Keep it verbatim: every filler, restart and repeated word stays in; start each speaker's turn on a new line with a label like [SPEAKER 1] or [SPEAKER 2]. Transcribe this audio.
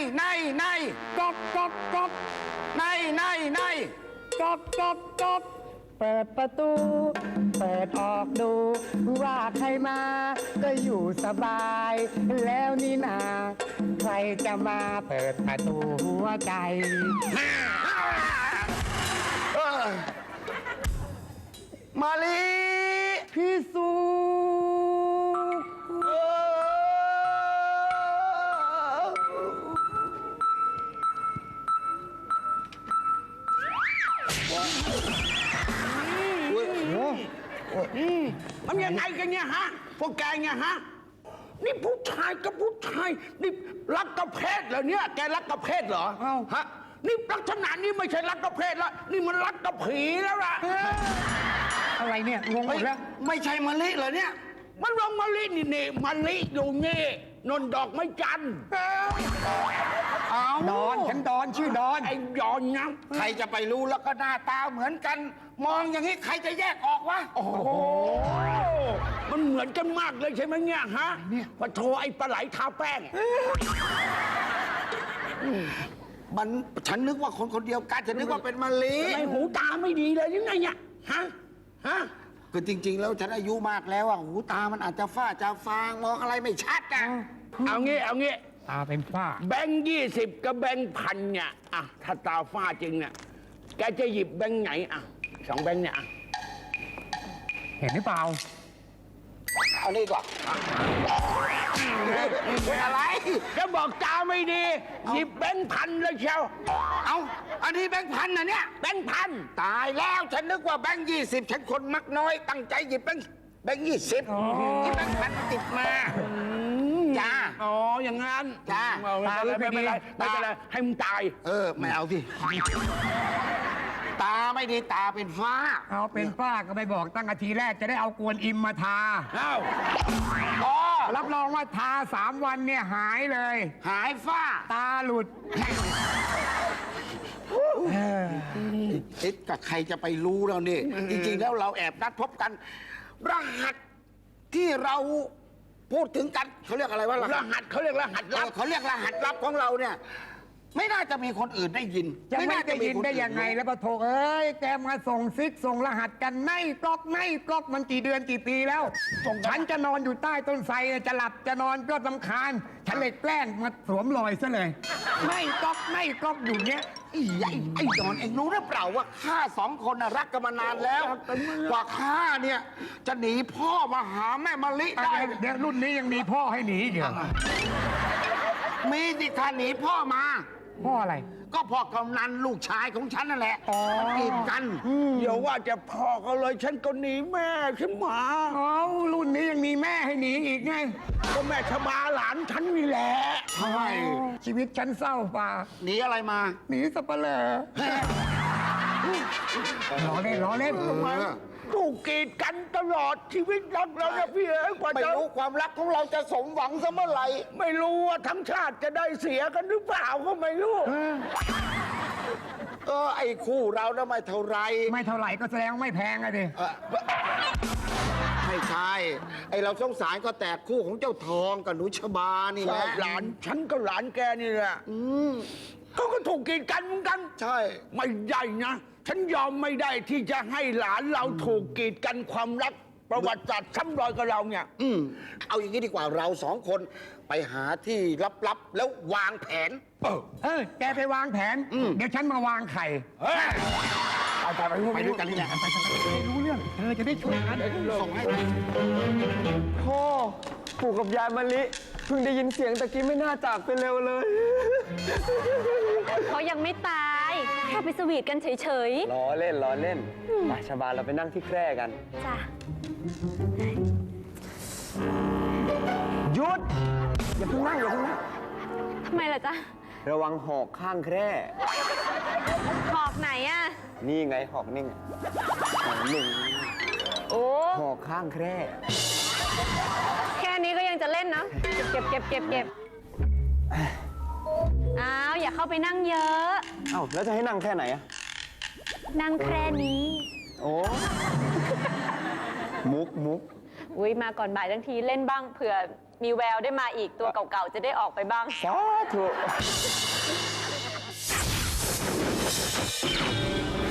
[SPEAKER 1] ในในก๊อกก๊อกก๊อกในในในก๊อกก๊อกก๊อกเปิดประตู เปิดออกดูว่าใครมาก็อยู่สบายแล้วนี่นาใครจะมาเปิดประตูหัวใจมาลีพี่สุ
[SPEAKER 2] มันยังไงกันเนี่ยฮะพวกแกเนี่ยฮะนี่ผู้ชายกับผู้ชายนี่รักกับเพศเหรอเนี่ยแกรักกับเพศเหรอฮะนี่ลักษณะนี้ไม่ใช่รักกับเพศแล้วนี่มันรักกับผีแล้วล่ะ
[SPEAKER 1] อะไรเนี่ยงงหมดแล้วไม่ใช่มะลิเหรอเนี่ย
[SPEAKER 2] มันลงมะลินี่นี่มะลิอยู่นี่นนดอกไม้จันทร์
[SPEAKER 1] ดอนฉันดอนชื่อดอน
[SPEAKER 2] ไอ้ดอนนะ
[SPEAKER 1] ใครจะไปรู้แล้วก็หน้าตาเหมือนกันมองอย่างนี้ใครจะแยกออกวะ
[SPEAKER 2] โอ้โหมันเหมือนกันมากเลยใช่ไหมเนี่ยฮะพอโทรไอ้ปลาไหลทาแป้ง
[SPEAKER 1] มันฉันนึกว่าคนคนเดียวกันฉันนึกว่าเป็นมะลิ
[SPEAKER 2] ทำไมหูตาไม่ดีเลยยังไงเนี่ยฮะฮะ
[SPEAKER 1] คือจริงๆแล้วฉันอายุมากแล้วอ่ะหูตามันอาจจะฝ้าจะฟางมองอะไรไม่ชัดอ่ะ
[SPEAKER 2] เอางี้เอางี้
[SPEAKER 1] ตาเป็นฝ้า
[SPEAKER 2] แบงค์ยี่สิบกับแบงค์พันเนี่ยอ่ะถ้าตาฝ้าจริงเนี่ยแกจะหยิบแบงค์ไหนอ่ะสองแบงค์เนี่ย
[SPEAKER 1] เห็นหรือเปล่า
[SPEAKER 2] เอานี่ก่อน
[SPEAKER 1] เป็นอะไร
[SPEAKER 2] ก็บอกตาไม่ดีหยิบแบงค์พันเลยเชียว
[SPEAKER 1] เอาอันนี้แบงค์พันนะเนี่ย
[SPEAKER 2] แบงค์พัน
[SPEAKER 1] ตายแล้วฉันนึกว่าแบงค์ยี่สิบฉันคนมักน้อยตั้งใจหยิบแบงค์แบงค์ยี่สิบที่แบงค์พันติดมาจ้า
[SPEAKER 2] อ๋ออย่างงั้น
[SPEAKER 1] จ้า
[SPEAKER 2] ไม่เป็นไรไม่เป็นไรให้มึงตาย
[SPEAKER 1] เออไม่เอาสิตาไม่ดีตาเป็นฝ้าเอาเป็นฝ้าก็ไม่บอกตั้งอาทีแรกจะได้เอากวนอิมมาทา
[SPEAKER 2] เอ้า
[SPEAKER 1] อ๋อรับรองว่าทาสามวันเนี่ยหายเลยหายฝ้าตาหลุดคิดกับใครจะไปรู้เราเนี่ยจริงๆแล้วเราแอบนัดพบกันรหัสที่เราพูดถึงกันเขาเรียกอะไรวะ
[SPEAKER 2] รหัสเขาเรียกรหัสลับ
[SPEAKER 1] เขาเรียกรหัสลับของเราเนี่ยไม่น่าจะมีคนอื่นได้ยินจะไม่ได้ยินได้ยังไงแล้วปะโถเอ้ยแกมาส่งซิกส่งรหัสกันไม่กลอกไม่กลอกมันกี่เดือนกี่ปีแล้วฉันจะนอนอยู่ใต้ต้นไทรจะหลับจะนอนก็รำคาญฉันเลยแกล้งมาสวมรอยซะเลยไม่กลอกไม่กลอกอยู่เนี้ยไอ้ไอ้ไอ้ดอนเองรู้หรือเปล่าว่าข้าสองคนน่ะรักกันมานานแล้วกว่าข้าเนี่ยจะหนีพ่อมาหาแม่มะลิได้เดี๋ยวรุ่นนี้ยังมีพ่อให้หนีเดี๋ยวมีสิท่านหนีพ่อมาพ่ออะไรก็พ่อกำนันลูกชายของฉันนั่นแหละกีดกัน
[SPEAKER 2] เดี๋ยวว่าจะพ่อเขาเลยฉันก็หนีแม่ฉันมา
[SPEAKER 1] อ๋อรุ่นนี้ยังมีแม่ให้หนีอีกไง
[SPEAKER 2] ก็แม่ชบาหลานฉันนี่แหละ
[SPEAKER 1] ใช่ชีวิตฉันเศร้าป่าหนีอะไรมาหนีสับปะเลอล้อเล่นล้อเล่น
[SPEAKER 2] ถูกกีดกันตลอดชีวิตรักเราเนี่ยพี่เอ๋ยกว่าจะ
[SPEAKER 1] ไม่รู้ความรักของเราจะสมหวังเสมอไหร่
[SPEAKER 2] ไม่รู้ว่าทั้งชาติจะได้เสียกันหรือเปล่าก็ไม่รู้
[SPEAKER 1] เออไอ้คู่เราน่ะไม่เท่าไรไม่เท่าไหร่ก็แสดงไม่แพงอะดิไม่ใช่ไอ้เราสงสารก็แตกคู่ของเจ้าทองกับหนูชบานี่แหละ
[SPEAKER 2] หลานฉันก็หลานแกนี่แหละเขาก็ถูกกีดกันเหมือนกัน
[SPEAKER 1] ใช่
[SPEAKER 2] ไม่ใหญ่นะฉันยอมไม่ได้ที่จะให้หลานเราถูกกีดกันความรักประวัติศาสตร์ซ้ำรอยกับเราเนี่ย
[SPEAKER 1] อืมเอาอย่างนี้ดีกว่าเราสองคนไปหาที่ลับๆแล้ววางแผนเออเออแกไปวางแผนเดี๋ยวฉันมาวางไข่ไปไปไปด้วยกันนี่แหละไปรู้เรื่องเธอจะได้ช่วยกันส่งให้
[SPEAKER 3] พ่อปู่กับยายมะลิเพิ่งได้ยินเสียงตะกี้ไม่น่าจากไปเร็วเลย
[SPEAKER 4] เขายังไม่ตายแค่ไปสวีทกันเฉย
[SPEAKER 3] ๆล้อเล่นล้อเล่นไปชบาเราไปนั่งที่แคร่กัน
[SPEAKER 4] จ้ะ
[SPEAKER 3] หยุดอย่าเพิ่งนั่งอย่าเพิ่งนั่ง
[SPEAKER 4] ทำไมล่ะจ๊ะ
[SPEAKER 3] ระวังหอกข้างแคร่
[SPEAKER 4] หอกไหนอะ
[SPEAKER 3] นี่ไงหอกนี่ไงหอกหนึ่ง
[SPEAKER 4] โอ้
[SPEAKER 3] หอกข้างแคร่
[SPEAKER 4] แค่นี้ก็ยังจะเล่นนะเก็บเก็บเก็บเก็บอ้าวอย่าเข้าไปนั่งเยอะ
[SPEAKER 3] อ้าวแล้วจะให้นั่งแค่ไหนอะ
[SPEAKER 4] นั่งแค่นี้
[SPEAKER 3] โอ้มุกมุก
[SPEAKER 4] อุ้ยมาก่อนบ่ายทั้งทีเล่นบ้างเผื่อมีแววได้มาอีกตัวเก่าๆ จะได้ออกไปบ้าง
[SPEAKER 3] สาธุ